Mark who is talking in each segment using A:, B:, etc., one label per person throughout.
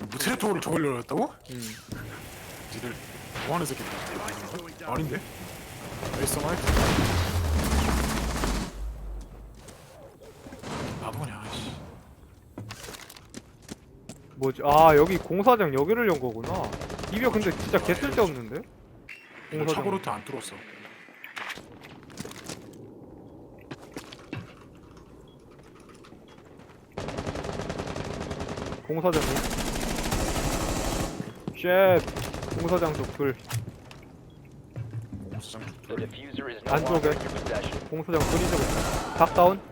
A: 무트레토를 저걸 열었다고?
B: 응.
A: 니들 뭐하는 새끼들? 아닌데? 웨이스 마이크? 바보냐 씨.
B: 뭐지? 아 여기 공사장 여기를 연 거구나. 이병 근데 진짜 개 쓸데없는데?
A: 이거 차고로트 안 뚫었어.
B: 공사장 쉣 공사장 쪽불
A: 공사장
C: The
A: 뚫.
C: diffuser is no
B: 안쪽에.
C: longer in your possession.
B: 공사장 불이 좀 있어. 닭다운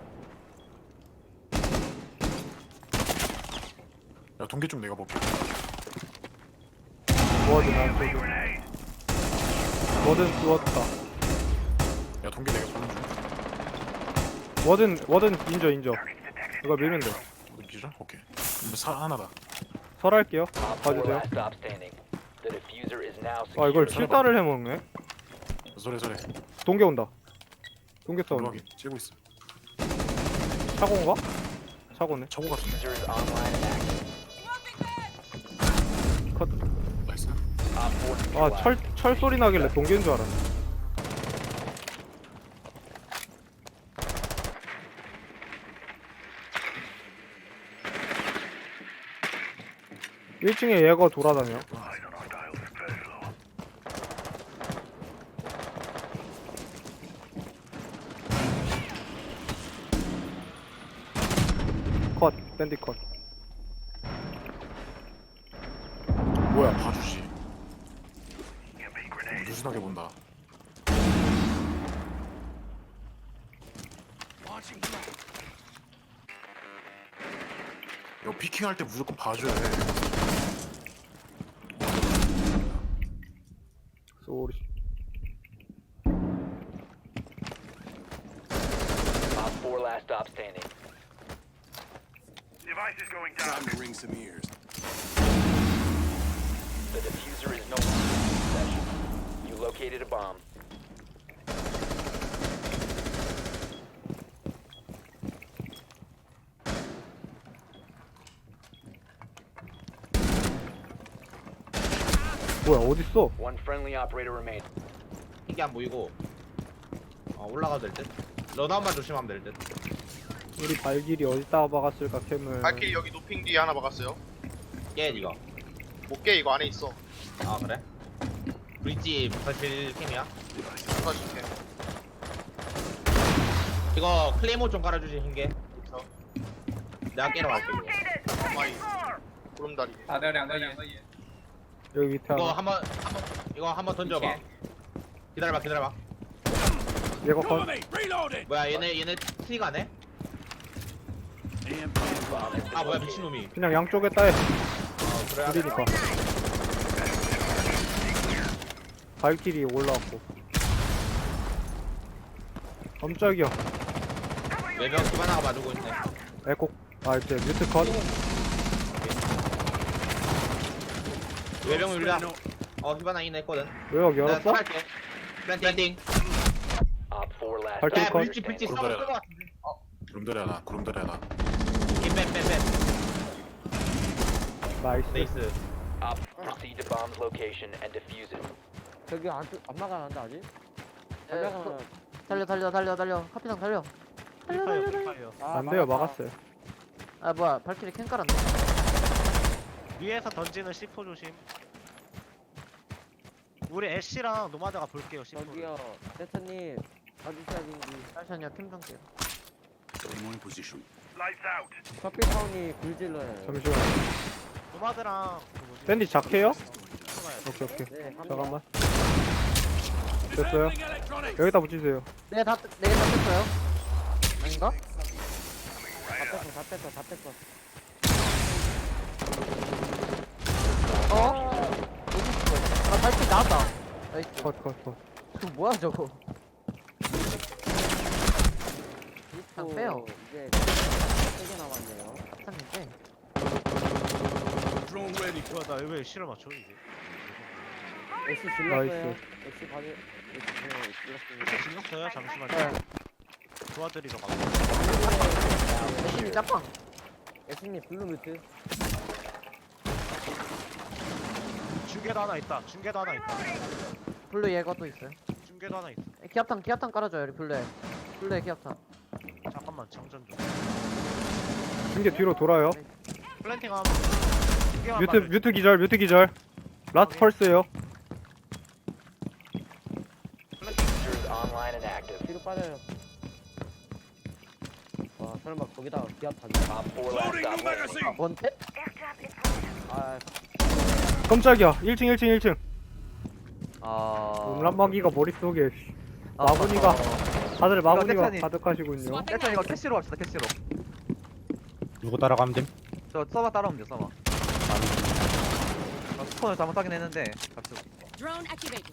A: 야 동계 쪽 내가 볼게.
B: 뭐하든 안쪽에 뭐든 쏘았다.
A: 야 동계 내가 보는 중.
B: 뭐든 인저 이거 밀면 돼.
A: 어디 기절? 오케이. 그럼 사 하나다.
B: 설할게요.
C: Op 4
B: 봐주세요.
C: last stop standing. The diffuser is now
B: 아 이걸
C: secure.
B: 7단을 해먹네.
A: 소래.
B: 동계 온다. 동계 싸움.
A: 여기 찌고 있어.
B: 차고인가? 차고네.
A: 차고 같은데.
C: Diffuser is online and active.
B: 컷.
A: 나이스.
C: Op 4
B: 아
C: neutralized.
B: 철 소리 나길래 동계인 줄 알았네. 일층에 얘가 돌아다녀. 컷, 밴디 컷.
A: 뭐야 봐주지. 누신하게 본다. 이거 피킹할 때 무조건 봐줘야 해.
B: 쏘리.
C: Op 4 last stop standing.
D: Time to ring some ears.
C: The diffuser is no longer in your possession. You located a bomb.
B: 뭐야 어딨어?
C: One friendly operator remains.
E: 이게 안 보이고 올라가도 될 듯? 런아웃만 조심하면 될 듯?
B: 우리 발길이 어디다가 박았을까 캠을.
F: 발길이 여기 노핑 뒤에 하나 박았어요.
E: 깨 니가.
F: 못 깨 이거 안에 있어.
E: 아 그래? 브릿지 사실 캠이야?
F: 사실게.
E: 이거 클레이모 좀 깔아주지 흰게.
F: 그래서
E: 내가 깨러 갈게 이거.
F: 가마이 구름다리.
B: 여기 밑에
E: 이거
B: 하나.
E: 이거 한번 던져봐. 기다려봐.
B: 얘가 컷.
E: 뭐야 얘네 트리가 안 해? 아 뭐야 미친놈이.
B: 그냥 양쪽에 따에
E: 그래.
B: 둘이니까. 발길이 올라왔고. 깜짝이야.
E: 외벽 기반하가 봐주고 있네.
B: 에코. 아 이제 뮤트 컷.
E: 외벽 밀려. 기반하 이네 했거든.
B: 외벽
E: 내가
B: 열었어?
E: 할게. 플랜팅.
C: Op 4 last
B: 발길
E: 야
B: 컷.
C: operator
E: 브릿지
C: standing.
E: 싸울 것 같은데.
A: 구름다리 하나.
E: 뺀.
B: 나이스.
E: 네이스.
C: Op proceed to bomb's location and defuse it.
G: 저기 안 막아놨는데 아직?
H: 달려 카피상 달려
B: 안 돼요 막았어요.
H: 아 뭐야 발키리 캔 깔았네
I: 위에서 던지는 C4 조심. 우리 애쉬랑 노마드가 볼게요. C4.
G: 저기요 세터님 가주셔야 되는지
H: 잠시만요 팀 정게요
D: Anyone in position.
G: 커피타운이 굴질러요.
B: 잠시만.
I: 노마드랑 그 뭐지?
B: 밴디 작해요?
I: 들어가야 돼.
B: 오케이.
G: 네,
B: 잠깐만. 됐어요. 여기다 붙이세요.
H: 네다 뺐어요 아닌가?
G: 다 뺐어.
H: 아 발키리 나왔다 나이스
B: 컷.
H: 그 뭐야 저거
G: 안
H: 빼요.
G: 이제 3개 남았네요.
H: 샀는데
D: Drone ready.
I: 나왜 실을 맞춰 이게?
G: 애쉬 질렀어요.
B: 나이스.
G: 애쉬 받을 질렀습니다.
I: 이렇게 질렀어요. 잠시만요.
H: 네
I: 도와드리러 가.
H: 애쉬니 짬빵
G: 애쉬님 블루 뮤트.
I: 중계도 하나 있다. 중계도 하나 있다.
H: 블루 예거도 있어요.
I: 중계도 하나 있어.
H: 기압탄 깔아줘요 우리 블루에. 블루에 기압탄.
I: 잠깐만 장전 좀.
B: 중계 뒤로 돌아요.
I: 플랜팅 하면. 중계만
B: 뮤트
I: 봐줘.
B: 뮤트 기절. 라스트 펄스예요.
C: Diffuser is online and active.
G: 뒤로 빠져요. 와 설마 거기다가 기압 타지?
C: Op 4 last stop standing.
H: 원탭?
G: 아
B: 깜짝이야. 1층.
H: 아.
B: 음란마귀가 머릿속에 마구니가 다들 마구니가
H: 세찬이.
B: 가득하시군요.
H: 일단 이거 캐시로 갑시다 캐시로.
J: 누구 따라가면 됨?
H: 저 서버 따라오면 돼 서버. 스폰을 잘못하긴 했는데 갑시다.
K: Drone activated.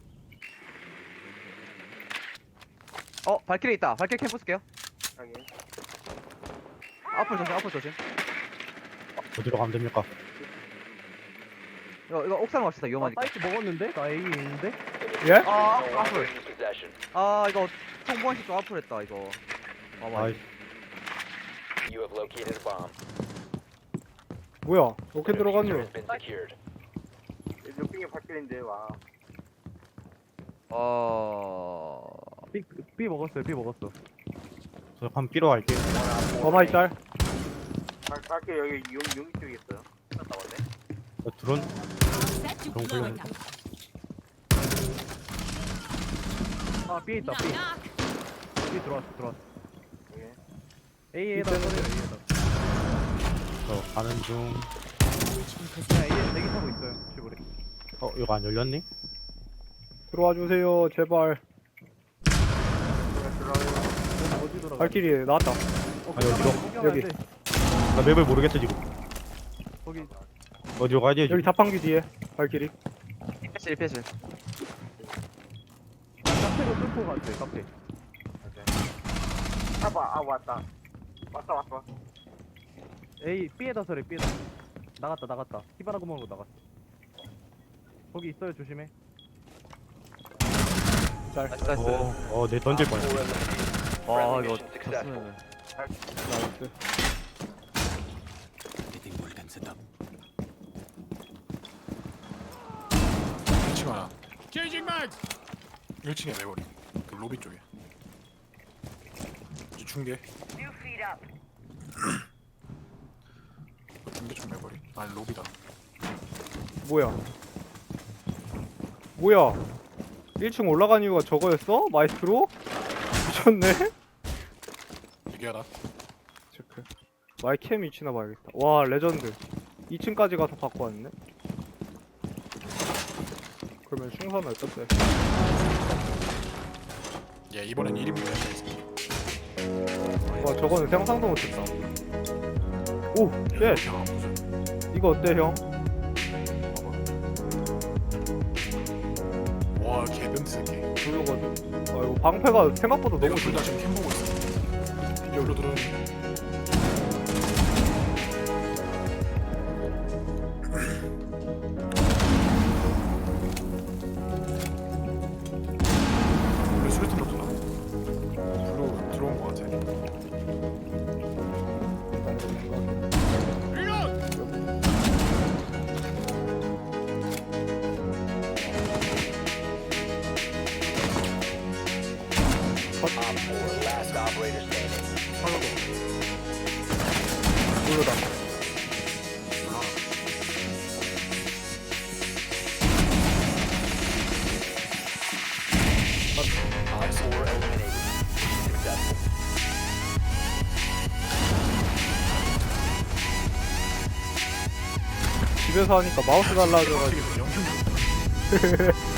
H: 발키리 있다. 발키리 캠 부술게요.
G: 여기.
H: 앞으로 조심.
J: 어디로 가면 됩니까?
H: 이거 옥상 갑시다 위험하니까.
G: 사이트 먹었는데? 나 A 있는데?
B: 예?
H: 아
C: No longer
H: 앞을.
C: in your possession.
H: 이거 통보한식 좀 앞을 했다 이거.
J: 아이,
C: You have located a bomb.
B: 뭐야? 어떻게
C: The
B: 들어갔냐?
C: diffuser has been secured.
G: 몇 빙의 발길인데 와.
B: B 먹었어요.
J: 저 한 B로 갈게요.
B: 어마이 짤.
G: 발길 여기 용 쪽에 있어요.
J: 저 드론
K: Set to
J: Don't
K: blowing
J: blame
K: up.
G: 아 B 있다.
K: Knock knock.
G: B 들어왔어.
B: A에다
J: 저 가는 중.
B: A에 대기 타고 있어요. 시골에.
J: 이거 안 열렸니?
B: 들어와 주세요. 제발.
G: 어디 들어가?
B: 발키리 나왔다.
J: 아니 어디로?
B: 여기.
J: 나 맵을 모르겠어 지금.
B: 거기.
J: 어디로 가야 되지?
B: 여기 자판기 뒤에 발키리.
H: 패실.
B: 카페로 뚫고 갔어요. 카페.
G: 봐봐. 왔다. 왔어.
B: A B에다 서래. B에다. 나갔다. 히바나 구멍으로 나갔어. 거기 있어요. 조심해. 짤.
H: 나이스.
J: 내 던질
C: Op 4
J: 뻔했어.
C: eliminated.
H: 와
C: Friendly
H: 이거
C: mission successful.
H: 졌으면.
B: 나이스.
D: Getting more than set up.
A: 1층 하나. 1층에 내버리. 그 로비 쪽에. 이제 중계. 중계 좀 내버리. 아니 로비다.
B: 뭐야? 1층 올라간 이유가 저거였어? 마이스트로? 미쳤네?
A: 얘기하다.
B: 체크. 마이캠 위치나 봐야겠다. 와 레전드. 2층까지 가서 갖고 왔네. 그러면 충선을 떴어요.
A: 얘 이번엔 1인분이야.
B: 와 저거는 상상도 못했다. 오! 쉣! 이거 어때 형?
A: 와 개변태 새끼.
B: 조여가지고. 아 이거 방패가 생각보다
A: 내가
B: 너무
A: 둘다 지금 캠 보고 있어. 여기로 들어오는. 우리 수류탄 넣었나? 들어온 거 같아.
C: Op 4 last operator standing.
B: 모르다.
C: Op 4 eliminated. Successful.
B: 집에서 하니까 마우스 달라져가지고.
A: 어떻게 영향